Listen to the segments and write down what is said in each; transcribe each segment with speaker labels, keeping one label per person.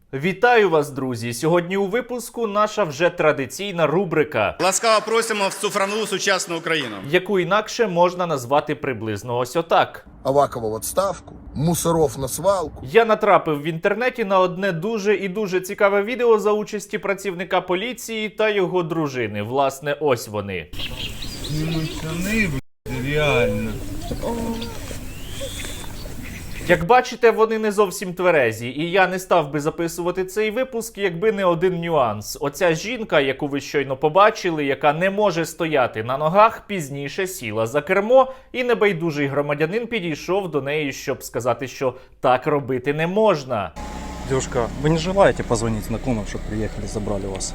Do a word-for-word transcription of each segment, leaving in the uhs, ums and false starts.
Speaker 1: Вітаю вас, друзі! Сьогодні у випуску наша вже традиційна рубрика,
Speaker 2: Ласкаво просимо в цифрову сучасну Україну,
Speaker 1: яку інакше можна назвати приблизно ось отак.
Speaker 3: Авакова в отставку, Мусоров на свалку.
Speaker 1: Я натрапив в інтернеті на одне дуже і дуже цікаве відео за участі працівника поліції та його дружини. Власне, ось вони.
Speaker 4: Пацаны, блядь, реально.
Speaker 1: Як бачите, вони не зовсім тверезі, і я не став би записувати цей випуск, якби не один нюанс. Оця жінка, яку ви щойно побачили, яка не може стояти на ногах, пізніше сіла за кермо, і небайдужий громадянин підійшов до неї, щоб сказати, що так робити не можна.
Speaker 5: Девушка, вы не желаете позвонить знакомым, чтобы приехали, забрали вас?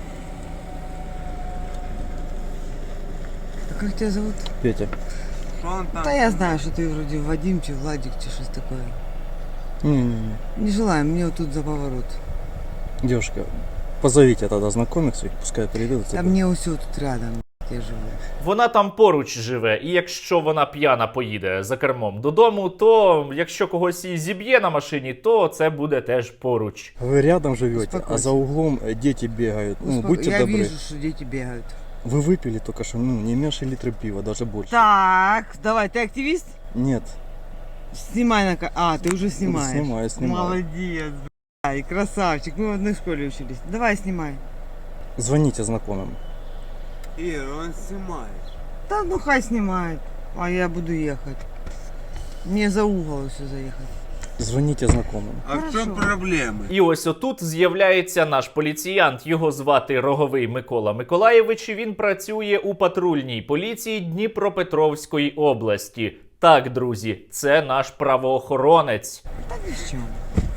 Speaker 6: А как тебя зовут?
Speaker 5: Петя.
Speaker 4: Что он там?
Speaker 6: Да я знаю, что ты вроде Вадим, чи Владик, чи что такое.
Speaker 5: Не-не-не.
Speaker 6: Не желаю, мне вот тут за поворот.
Speaker 5: Девушка, позовите тогда знакомых своих, пускай придут.
Speaker 6: А мне все тут рядом, я живу.
Speaker 1: Вона там поруч живе, і якщо вона п'яна поїде за кермом додому, то якщо когось і зіб'є на машині, то це буде теж поруч.
Speaker 5: Вы рядом живете,
Speaker 6: Успокойся.
Speaker 5: а за углом э, дети бегают. Ну,
Speaker 6: Успоко-
Speaker 5: будьте
Speaker 6: я
Speaker 5: добры.
Speaker 6: вижу, что дети бегают.
Speaker 5: Вы выпили только что, ну, не меньше литра пива, даже больше.
Speaker 6: Так, давай, ты активист?
Speaker 5: Нет.
Speaker 6: Снимай на... ка- А, ты уже снимаешь.
Speaker 5: Снимаю, снимаю.
Speaker 6: Молодец, блядь, красавчик. Мы в одной школе учились. Давай, снимай.
Speaker 5: Звоните знакомым.
Speaker 4: Ир, он снимает.
Speaker 6: Да ну хай снимает, а я буду ехать. Мне за угол все заехать.
Speaker 5: Звоните знакомым.
Speaker 4: А в чем
Speaker 6: Хорошо.
Speaker 4: проблемы?
Speaker 1: І ось отут з'являється наш поліціянт. Його звати Роговий Микола Миколаєвич. І він працює у патрульній поліції Дніпропетровської області. Так, друзі, це наш правоохоронець.
Speaker 6: Да ни в чем.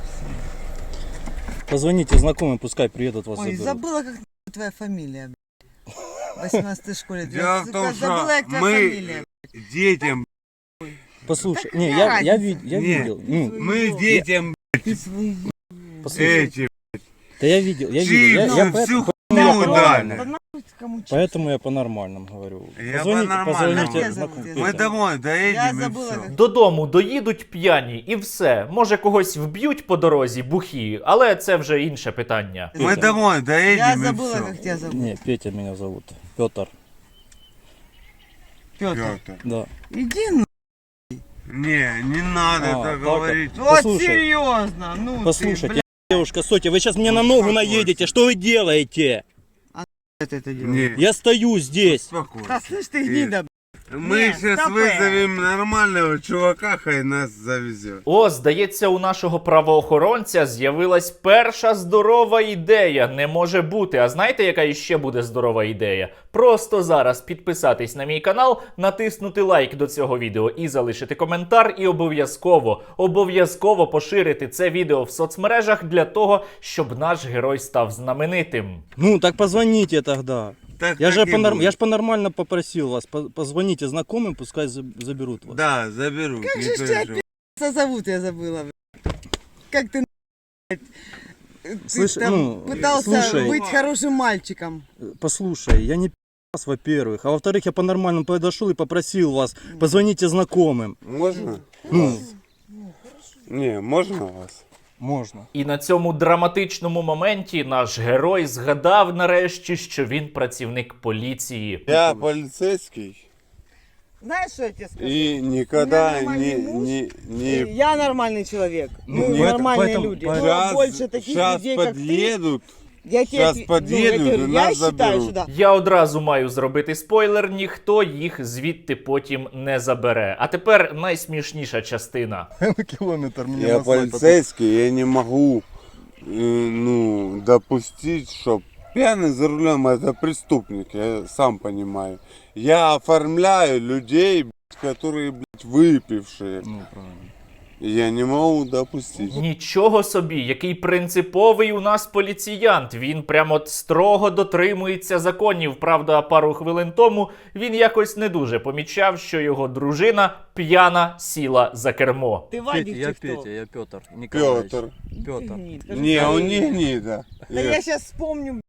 Speaker 5: Позвоните знакомым, пускай приедут вас
Speaker 6: Ой,
Speaker 5: заберут.
Speaker 6: забыла, как твоя фамилия, блядь. В восемнадцатой школе.
Speaker 4: Дело в том, что
Speaker 6: Забыла, как твоя
Speaker 4: мы
Speaker 6: фамилия.
Speaker 4: детям,
Speaker 5: Послушай,
Speaker 6: Да
Speaker 5: не,
Speaker 6: какая
Speaker 5: я, я,
Speaker 6: разница?
Speaker 5: ви- я
Speaker 4: Не.
Speaker 5: видел. Ну,
Speaker 4: мы детям
Speaker 6: Ты свой...
Speaker 5: послушай,
Speaker 4: эти,
Speaker 5: да я видел, я видел. Я,
Speaker 4: чипсы,
Speaker 5: я
Speaker 4: всю
Speaker 5: поэтому,
Speaker 4: хуйню
Speaker 6: Да
Speaker 4: дали.
Speaker 6: нахуй ты кому чё?
Speaker 5: поэтому я по-нормальному говорю.
Speaker 4: Я
Speaker 5: Позвоните,
Speaker 4: по-нормальному.
Speaker 5: позвоните
Speaker 6: Как тебя
Speaker 5: знакомым.
Speaker 6: зовут?
Speaker 4: Мы
Speaker 5: Петя.
Speaker 4: домой
Speaker 6: Я
Speaker 4: доедем и
Speaker 6: забыла,
Speaker 4: все.
Speaker 6: как...
Speaker 1: Додому доїдуть п'яні і все. Може, когось вб'ють по дорозі бухі, але це вже інше питання.
Speaker 4: Мы домой
Speaker 6: Я
Speaker 4: доедем и
Speaker 6: забыла,
Speaker 4: все.
Speaker 6: как тебя зовут.
Speaker 5: Не, Петя меня зовут. Петр.
Speaker 6: Петр.
Speaker 4: Петр.
Speaker 5: Да.
Speaker 6: Иди на...
Speaker 4: Не, не надо
Speaker 5: А,
Speaker 4: так
Speaker 5: так,
Speaker 4: говорить.
Speaker 6: Вот
Speaker 5: Послушай.
Speaker 6: серьезно, ну
Speaker 5: Послушайте,
Speaker 6: ты, блядь,
Speaker 5: девушка, стойте, вы сейчас мне на ногу
Speaker 4: Успокойся.
Speaker 5: наедете. Что вы делаете?
Speaker 6: это, это делаешь.
Speaker 4: Не,
Speaker 5: Я стою здесь.
Speaker 4: успокойся.
Speaker 6: Да слышь ты, гнида, блядь.
Speaker 4: Мы
Speaker 6: Не,
Speaker 4: сейчас
Speaker 6: стопэ.
Speaker 4: вызовем нормального чувака, хай нас завезет.
Speaker 1: О, здається, у нашого правоохоронця з'явилась перша здорова ідея. Не може бути. А знаєте, яка іще буде здорова ідея? Просто зараз підписатись на мій канал, натиснути лайк до цього відео і залишити коментар. І обов'язково, обов'язково поширити це відео в соцмережах для того, щоб наш герой став знаменитим.
Speaker 5: Ну, так позвоните тогда.
Speaker 4: Так,
Speaker 5: Я
Speaker 4: так
Speaker 5: же,
Speaker 4: и
Speaker 5: понор-
Speaker 4: будет.
Speaker 5: я ж по-нормально попросил вас. По- Позвоните знакомым, пускай за- заберут вас.
Speaker 4: Да, заберу.
Speaker 6: Как
Speaker 4: не
Speaker 6: же ж тебя
Speaker 4: переживай.
Speaker 6: пи***ца зовут, я забыла, блядь. Как ты, блядь, ты
Speaker 5: Слышь,
Speaker 6: там
Speaker 5: ну,
Speaker 6: пытался
Speaker 5: слушай.
Speaker 6: быть хорошим мальчиком.
Speaker 5: Э, Послушай, я не пи***ц, во-первых. А во-вторых, я по-нормальному подошел и попросил вас. Позвоните знакомым.
Speaker 4: Можно?
Speaker 5: Ну,
Speaker 4: Не, можно вас?
Speaker 5: можно.
Speaker 1: І на цьому драматичному моменті наш герой згадав нарешті, що він працівник поліції.
Speaker 4: Я полицейский
Speaker 6: Знаешь, что я тебе скажу?
Speaker 4: и никогда
Speaker 6: У меня
Speaker 4: не,
Speaker 6: нормальный муж,
Speaker 4: не,
Speaker 6: И
Speaker 4: не...
Speaker 6: Я нормальный человек.
Speaker 5: Ну,
Speaker 6: Мы
Speaker 5: поэтому-
Speaker 6: нормальные
Speaker 5: поэтому-
Speaker 6: люди.
Speaker 5: поэтому-
Speaker 6: Но
Speaker 4: Сейчас,
Speaker 6: больше таких
Speaker 4: сейчас
Speaker 6: людей, как ты,
Speaker 4: подъедут.
Speaker 6: я тебе,
Speaker 4: щас
Speaker 6: отве-
Speaker 4: подъедут
Speaker 6: ну, я, тебе
Speaker 4: и
Speaker 6: говорю, я
Speaker 4: нас
Speaker 6: считаю,
Speaker 4: заберут.
Speaker 6: что да.
Speaker 1: Я одразу маю зробити спойлер, ніхто їх звідти потім не забере. А тепер найсмішніша частина.
Speaker 5: Километр мне
Speaker 4: Я полицейский, я не могу э, ну, допустить, что пьяный за рулем это преступник, я сам понимаю. Я оформляю людей, блядь, которые, блядь, выпившие.
Speaker 5: Ну, правильно.
Speaker 4: И я не могу допустить.
Speaker 1: Нічого собі, який принциповий у нас поліціянт. Він прямо от строго дотримується законів. Правда, пару хвилин тому він якось не дуже помічав, що його дружина п'яна сіла за кермо.
Speaker 6: Ты
Speaker 5: Петя,
Speaker 6: Вадик,
Speaker 5: я
Speaker 6: ты кто?
Speaker 5: Петя, я Петр Николаевич.
Speaker 4: Петр.
Speaker 5: Петр.
Speaker 6: Ты гнид. Скажи,
Speaker 4: Не,
Speaker 6: скажи,
Speaker 4: он не гнида.
Speaker 6: Да я сейчас вспомню, блядь,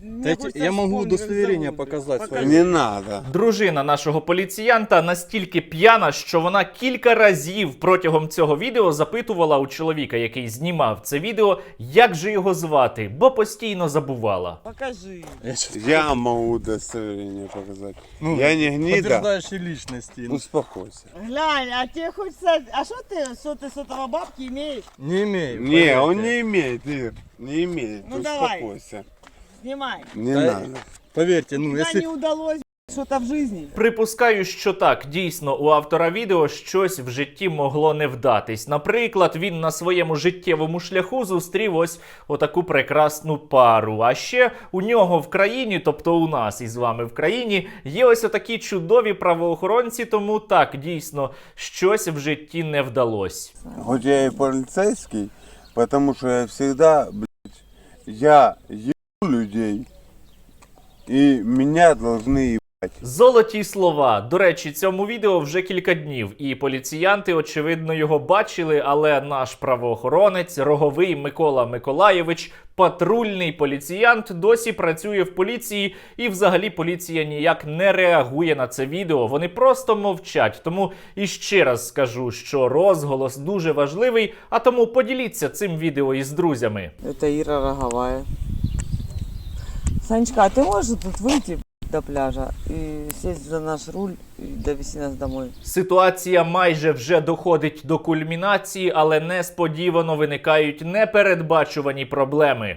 Speaker 6: мне
Speaker 5: Дайте-
Speaker 6: хочется
Speaker 5: я могу
Speaker 6: вспомнить, как
Speaker 5: удостоверение
Speaker 6: зовут.
Speaker 5: показать
Speaker 6: Покажи.
Speaker 5: свое.
Speaker 4: Не надо.
Speaker 1: Дружина нашого поліціянта настільки п'яна, що вона кілька разів протягом цього відео запитувала у чоловіка, який знімав це відео, як же його звати, бо постійно забувала.
Speaker 6: Покажи.
Speaker 5: Я щас-
Speaker 4: Я могу удостоверение показать.
Speaker 5: Ну,
Speaker 4: Я не гнида.
Speaker 5: Подтверждающие личности.
Speaker 4: Успокойся.
Speaker 6: Глянь, а тебе хочется... А что ты, что ты с этого бабки имеешь?
Speaker 5: Не имею.
Speaker 4: Не,
Speaker 5: поверьте.
Speaker 4: он не имеет, Ир. Не имеет.
Speaker 6: Ну, давай.
Speaker 4: Успокойся.
Speaker 6: Снимай.
Speaker 4: Не
Speaker 5: Да,
Speaker 4: надо.
Speaker 5: Поверьте, ну
Speaker 6: Когда
Speaker 5: если...
Speaker 6: не удалось что-то в жизни.
Speaker 1: Припускаю, що так, дійсно, у автора відео щось в житті могло не вдатись. Наприклад, він на своєму життєвому шляху зустрів ось отаку прекрасну пару. А ще у нього в країні, тобто у нас із вами в країні, є ось отакі чудові правоохоронці, тому так, дійсно, щось в житті не вдалось.
Speaker 4: Хоть я и полицейский, потому что я всегда, блядь, я ебу людей, и меня должны ебать.
Speaker 1: Золоті слова. До речі, цьому відео вже кілька днів, і поліціянти, очевидно, його бачили, але наш правоохоронець, Роговий Микола Миколайович, патрульний поліціянт, досі працює в поліції, і взагалі поліція ніяк не реагує на це відео. Вони просто мовчать. Тому іще раз скажу, що розголос дуже важливий, а тому поділіться цим відео із друзями.
Speaker 6: Это Ира Роговая. Санечка, а ты можешь тут выйти до пляжа и сесть за наш руль и довести нас домой?
Speaker 1: Ситуація майже вже доходить до кульмінації, але несподівано виникають непередбачувані проблеми.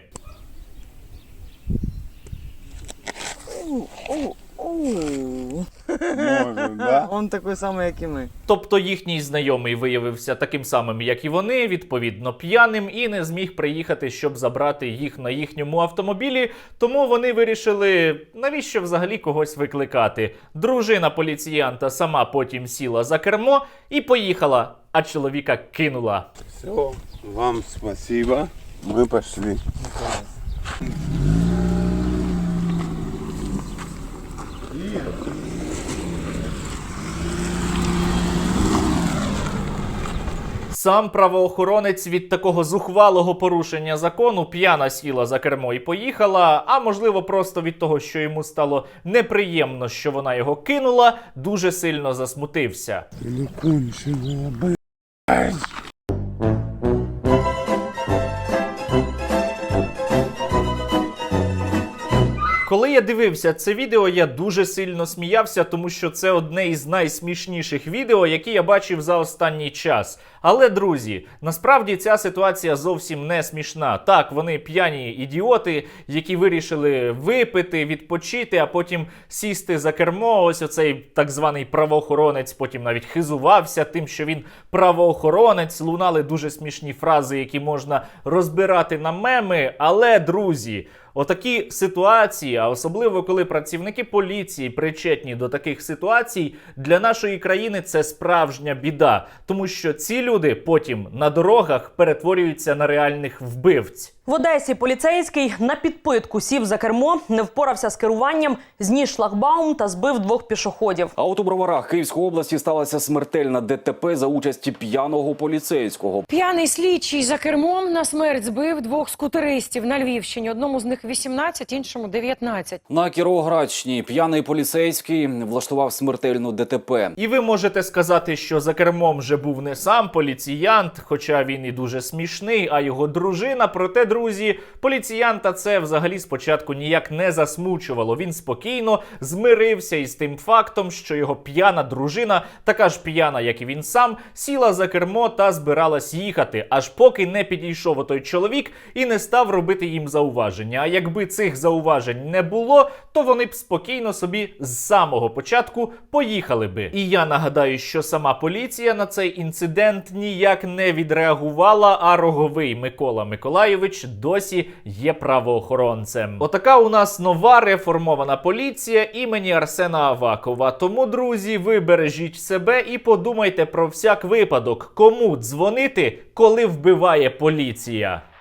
Speaker 6: Оу, оу, оу.
Speaker 4: Может, да?
Speaker 6: Он такой самый, как и мы.
Speaker 1: Тобто їхній знайомий виявився таким самим, як і вони, відповідно п'яним, і не зміг приїхати, щоб забрати їх на їхньому автомобілі, тому вони вирішили, навіщо взагалі когось викликати. Дружина поліціянта сама потім сіла за кермо і поїхала, а чоловіка кинула.
Speaker 4: Все, вам спасибо. Мы пошли.
Speaker 1: Сам правоохоронець від такого зухвалого порушення закону п'яна сіла за кермо і поїхала, а можливо просто від того, що йому стало неприємно, що вона його кинула, дуже сильно засмутився.
Speaker 4: Ну кончила, блядь.
Speaker 1: Коли я дивився це відео, я дуже сильно сміявся, тому що це одне із найсмішніших відео, які я бачив за останній час. Але, друзі, насправді ця ситуація зовсім не смішна. Так, вони п'яні ідіоти, які вирішили випити, відпочити, а потім сісти за кермо. Ось оцей так званий правоохоронець потім навіть хизувався тим, що він правоохоронець. Лунали дуже смішні фрази, які можна розбирати на меми. Але, друзі, отакі ситуації, а особливо коли працівники поліції причетні до таких ситуацій, для нашої країни це справжня біда. Тому що ці люди потім на дорогах перетворюються на реальних вбивць.
Speaker 7: В Одесі поліцейський на підпитку сів за кермо, не впорався з керуванням, зніс шлагбаум та збив двох пішоходів.
Speaker 8: А от у Броварах Київської області сталася смертельна ДТП за участі п'яного поліцейського.
Speaker 9: П'яний слідчий за кермом на смерть збив двох скутеристів на Львівщині. Одному з них вісімнадцять, іншому дев'ятнадцять.
Speaker 8: На Кіровоградщині п'яний поліцейський влаштував смертельну ДТП.
Speaker 1: І ви можете сказати, що за кермом вже був не сам поліціянт, хоча він і дуже смішний, а його дружина. Проте, друзі, поліціянта це взагалі спочатку ніяк не засмучувало. Він спокійно змирився із тим фактом, що його п'яна дружина, така ж п'яна, як і він сам, сіла за кермо та збиралась їхати, аж поки не підійшов отой чоловік і не став робити їм зауваження. А якби цих зауважень не було, то вони б спокійно собі з самого початку поїхали би. І я нагадаю, що сама поліція на цей інцидент ніяк не відреагувала, а Роговий Микола Миколайович досі є правоохоронцем. Отака у нас нова реформована поліція імені Арсена Авакова. Тому, друзі, ви бережіть себе і подумайте про всяк випадок, кому дзвонити, коли вбиває поліція.